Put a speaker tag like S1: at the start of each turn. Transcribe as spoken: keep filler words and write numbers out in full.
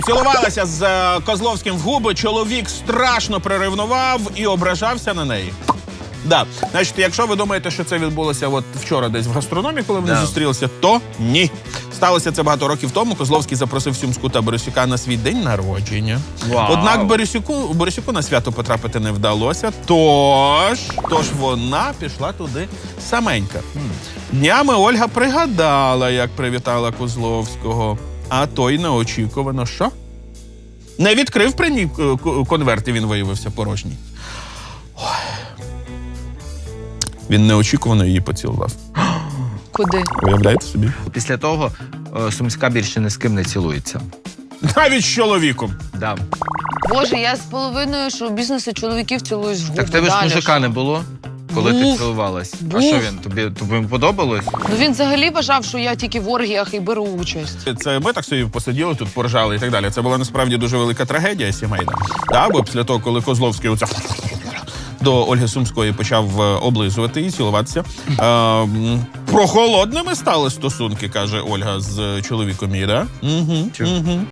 S1: Цілувалася з е, Козловським в губи, чоловік страшно приревнував і ображався на неї. Да. Значить, якщо ви думаєте, що це відбулося от вчора десь в гастрономі, коли вони
S2: Да.
S1: зустрілися, то ні. Сталося це багато років тому. Козловський запросив Сюмську та Борисюка на свій день народження.
S2: Вау.
S1: Однак Борисюку, Борисюку на свято потрапити не вдалося, тож, тож вона пішла туди саменька. Днями Ольга пригадала, як привітала Козловського, а той неочікувано що? Не відкрив при ній е, к- конверт, і він виявився порожній. Ой. Він неочікувано її поцілував.
S3: Куди?
S1: Уявляєте собі?
S2: Після того е, Сумська більше ні з ким не цілується.
S1: Навіть з чоловіком.
S2: Да.
S3: Боже, я з половиною шоу-бізнесу чоловіків цілуюсь в губи.
S2: Так в тебе ж
S3: Далі
S2: мужика
S3: що?
S2: не було, коли
S3: Був.
S2: ти цілувалась. А
S3: Був.
S2: що він? Тобі, тобі подобалось?
S3: Ну він взагалі вважав, що я тільки в оргіях і беру участь.
S1: Це ми так собі посиділи, тут поржали і так далі. Це була насправді дуже велика трагедія сімейна. Да, бо після того, коли Козловський оце до Ольги Сумської почав е, облизувати і цілуватися. Е, м, прохолодними стали стосунки, каже Ольга з чоловіком її, да? Угу,
S2: Чу.
S1: угу.